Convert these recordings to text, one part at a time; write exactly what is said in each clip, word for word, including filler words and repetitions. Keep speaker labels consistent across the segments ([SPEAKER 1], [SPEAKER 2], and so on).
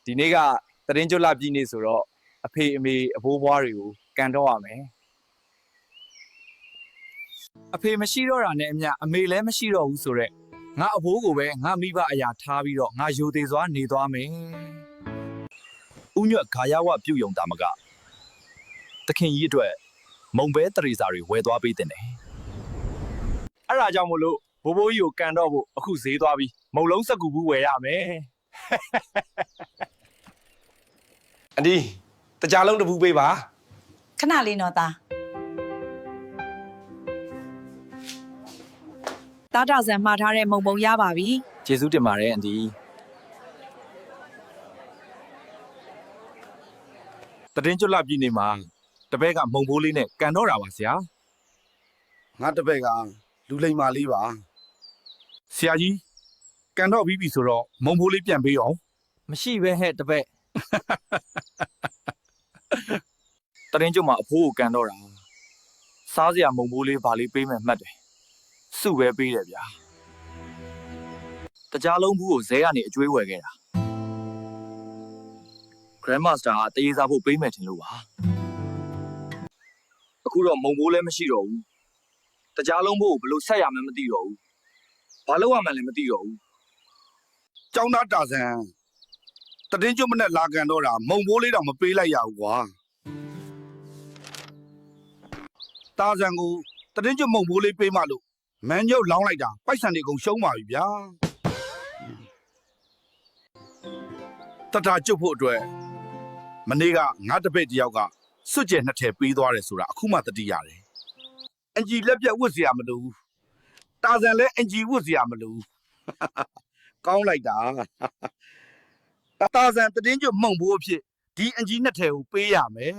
[SPEAKER 1] ဒီနေ့ကတရင်ကျွတ်လာပြည်နေဆိုတော့အဖေအမေအဘိုးဘွားတွေကိုကန်တော့ရမယ်အဖေမရှိတော့တာနဲ့အမျှအမေလည်းမရှိတော့ဘူးဆိုတော့ငါအဘိုးကိုပဲငါမိဘအရာထားပြီးတော့ငါယူသေးစွာနေသွားမယ်ဥညွတ်ခါရဝပြုတ်ယုံတာမကတခင်ကြီးအတွက်မုံပဲတရေစာတွေဝယ်သွားပေးတဲ့တယ်အဲ့ဒါကြောင့်မို့လို့ဘိုးဘိုးကြီးကိုကန်တော့ဖို့အခုဈေးသွားပြီးမုံလုံးစက်ကူဘူးဝယ်ရမယ်
[SPEAKER 2] အဒီတကြားလုံးတပူပေးပါ
[SPEAKER 3] ခဏလေးနော်သားတားတောင်ဆန်မှားထားတဲ့မုံပုံရပါပြီ
[SPEAKER 1] ကျေးဇူးတင်ပါတယ်အန်ဒီတရင်ကျွတ်လာပြည်နေမှာတပည့်ကမုံဘိုးလေးနဲ့ကန်တော့တာပါဆရာ
[SPEAKER 2] ငါတပည့်ကလူလိမ္မာလေးပါ
[SPEAKER 1] ဆရာကြီးကန်တော့ပြီးပြီဆိုတော့မုံဘိုးလေးပြန်ပေးအောင်မရှိပဲဟဲ့တပည့်တရင်ကျွတ်မှာအဖိုးကိုကန်တော့တာစားစရာမုံဘိုးလေးဗာလေးပေးမယ်မှတ်တယ်စုပဲပေးတယ်ဗျာတကြားလုံးဘူးကိုဇဲကနေအကျွေးဝယ်ခဲ့တာ Grandmaster ကတရေစားဖို့ပေးမယ်ထင်လို့ပါအခုတော့မုံဘိုးလည်းမရှိတော့ဘူးတကြားလုံးဘူးကိုဘယ်လိုဆက်ရမှန်းမသိတော့ဘူးဘာလုပ်ရမှန်းလည်းမသိတော့ဘူး
[SPEAKER 2] ကျောင်းသားတာဆန်တရင်ကျွတ်မနဲ့လာကန်တော့တာမုံဘိုးလေးတော့မပေးလိုက်ရဘူးကွာတာဆန်ကိုတရင်ကျွတ်မုံဘိုးလေးပေးမှလို့မန်ညုတ်လောင်းလိုက်တာပိုက်ဆံတွေကုန်ရှုံးပါပြီဗျာတတာကျွတ်ဖို့အတွက်မနေ့ကငါတပည့်တယောက်ကစွတ်ကျဲနှစ်ထည်ပေးသွားတယ်ဆိုတာအခုမှသတိရတယ်အင်ဂျီလက်ပြတ်ဝတ်เสียမလို့တာဆန်လည်းအင်ဂျီဝတ်เสียမလို့ကောင်းလိုက်တာတာဆန်တတင်းကျွတ်မုံဘိုးအဖြစ်ဒီအင်ဂျီနှစ်ထည်ကိုပေးရမယ်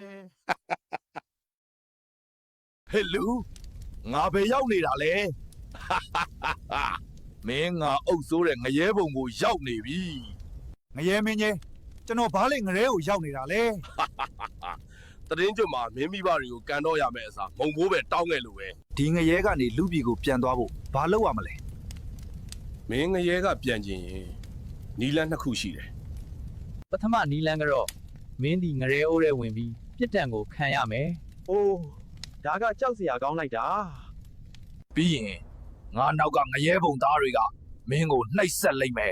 [SPEAKER 2] ဟဲ့လူငါပဲရောက်နေတာလေမင်းငါအုပ်စိုးတဲ့ငရဲဘုံကိုရောက်နေပြီ
[SPEAKER 1] ငရဲမင်းကြီးကျွန်တော်ဘားလေငရဲကိုရောက်နေတာလဲ
[SPEAKER 2] တရင်ကျွတ်မှာမင်းမိဘတွေကိုကန်တော့ရမယ်အစားမုံဘိုးပဲတောင်းခဲ့လို့ပဲ
[SPEAKER 1] ဒီငရဲကနေလူပြည်ကိုပြန်သွားဖို့ဘာလုပ်ရမလဲ
[SPEAKER 2] မင်းငရဲကပြန်ကျင်ရင်နီလန်းနှစ်ခုရှိတယ်
[SPEAKER 4] ပထမနီလန်းကတော့မင်းဒီငရဲအိုးထဲဝင်ပြီးပြစ်ဒဏ်ကိုခံရမယ်
[SPEAKER 5] အိုးဒါကကြောက်စရာကောင်းလိုက်တာ
[SPEAKER 1] ပြီးရင်ငါနောက်ကငရဲဘုံသားတွေကမင်းကိုနှိပ်စက်လိုက်မယ်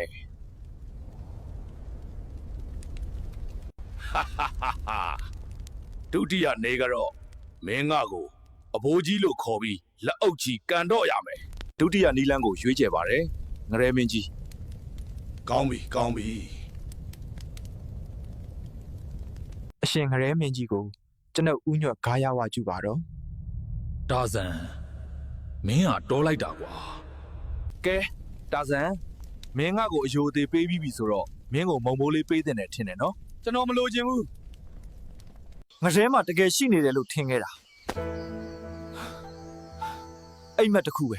[SPEAKER 2] ဒုတိယနေကတော့မင်းငါကိုအဘိုးကြီးလို့ခေါ်ပြီးလက်အုပ်ကြီးကန်တော့ရမယ်
[SPEAKER 1] ဒုတိယနီလန်းကိုရွေးချယ်ပါတယ်ငရဲမင်းကြီး
[SPEAKER 2] ကောင်းပြီကောင်းပြီ
[SPEAKER 1] အရှင်ငရဲမင်းကြီးကိုကျွန်ုပ်ဥညွတ်ဂါရဝကျူပါတော့
[SPEAKER 2] တာဇန်မင်းဟာတော်လိုက်တာကွာ
[SPEAKER 1] ကဲတာဇန်မင်းငါ့ကိုအယိုသေးပေးပြီးပြီဆိုတော့မင်းကိုမုံမိုးလေးပေးတဲ့နဲ့ထင်တယ်နော်ကျွန်တော်မလိုချင်ဘူးငရဲမှာတကယ်ရှိနေတယ်လို့ထင်ခဲ့တာအိမ်မက်တစ်ခုပဲ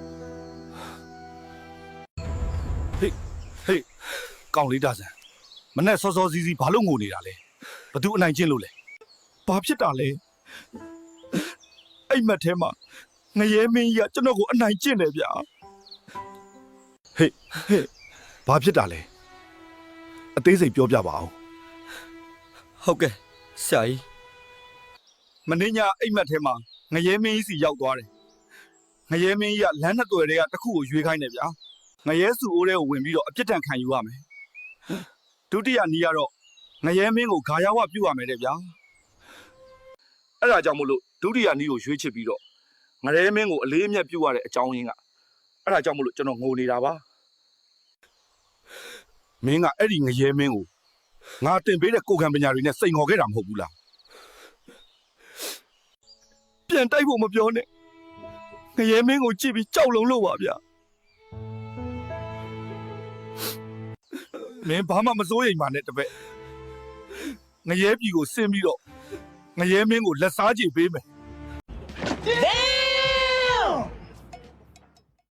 [SPEAKER 2] ဟေးဟေးကောင်းလေးတာဇန်မနဲ့စောစောစီးစီးဘာလို့ငိုနေတာလဲဘသူအနိုင်ကျင့်လို့လဲ
[SPEAKER 1] ဘာဖြစ်တာလဲအိမ်မက်ထဲမှာငရဲမင်းကြီးကကျွန်တော်ကိုအနိုင်ကျင့်တယ်ဗျာ
[SPEAKER 2] ဟေးဟေးဘာဖြစ်တာလဲအသေးစိတ်ပြောပြပါအောင်
[SPEAKER 1] ဟုတ်ကဲ့ဆရာကြီးမင်းညာအိမ်မက်ထဲမှာငရဲမင်းကြီးစီရောက်သွားတယ်ငရဲမင်းကြီးကလမ်းနှစ်သွယ်တွေကတစ်ခုကိုရွေးခိုင်းတယ်ဗျာငရဲစုအိုးထဲကိုဝင်ပြီးတော့အပြစ်ဒဏ်ခံယူရမယ်ဒုတိယနီးကတော့ငရဲမင်းကိုဂါရဝပြုတ်ရမယ်တဲ့ဗျာအဲ့ဒါကြောင့်မို့လို့ဒုတိယနီးကိုရွေးချစ်ပြီးတော့ငရဲမင်းကိုအလေးအမြတ်ပြုတ်ရတဲ့အကြောင်းရင်းကအဲ့ဒါကြောင့်မို့လို့ကျွန်တော်ငိုနေတာပါ
[SPEAKER 2] မင်းကအဲ့ဒီငရဲမင်းကိုငါတင်ပေးတဲ့ကိုယ်ခံပညာတွေနဲ့စိန်ခေါ်ခဲ့တာမဟုတ်ဘူးလား
[SPEAKER 1] ပြန်တိုက်ဖို့မပြောနဲ့ငရဲမင်းကိုကြည့်ပြီးကြောက်လုံလို့ပါဗျာ
[SPEAKER 2] မင်းဘာမှမစိုးရိမ်ပါနဲ့တပည့်ငရဲပြည်ကိုဆင်းပြီးတော့ငရဲမင်းကိုလက်စားကြည့်ပေးမယ်